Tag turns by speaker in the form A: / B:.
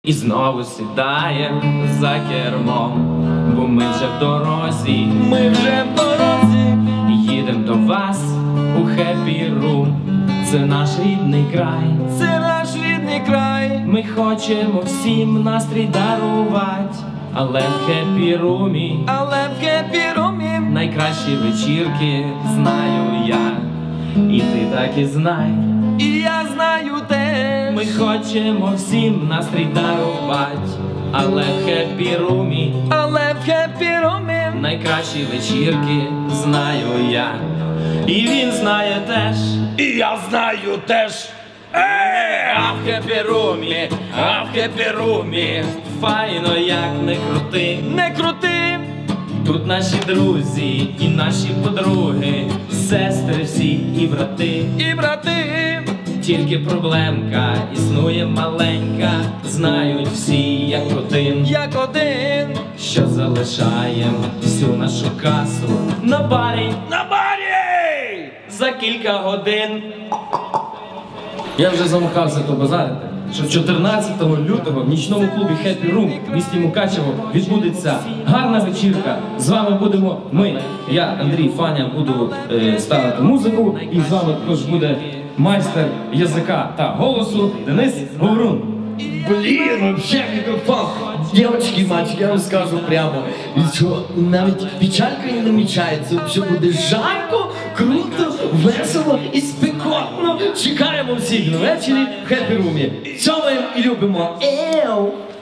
A: І знову сідаєм за кермом, бо ми вже в дорозі, їдем до вас у Happy Room. Це наш рідний край, ми хочемо всім настрій дарувати, але в Happy Room найкращі вечірки знаю я, і ти так і знай,
B: І я знаю теж.
A: ми хочемо всім настрій дарувати, але в Happy Room найкращі вечірки знаю я, і він знає теж,
B: І я знаю теж.
A: а в Happy Room файно як не крути. Тут наші друзі і наші подруги, сестри всі і брати. Тільки проблемка існує маленька, знають всі як один, що залишаєм всю нашу касу на барі за кілька годин. Я вже замахався то базарити, що 14 лютого в нічному клубі Happy Room в місті Мукачево відбудеться гарна вечірка. З вами будемо ми. Я, Андрій Фаня, буду ставити музику, і з вами також буде майстер язика та голосу Денис Говорун.
B: Блін, вообще мікрофон. Дівчатки, мальчики, я вам скажу прямо, що навіть печалька не намічається, що буде жарко, круто, весело і спекотно. Чекаємо всіх на вечері в Happy Room. Цьомаємо і любимо. Еу!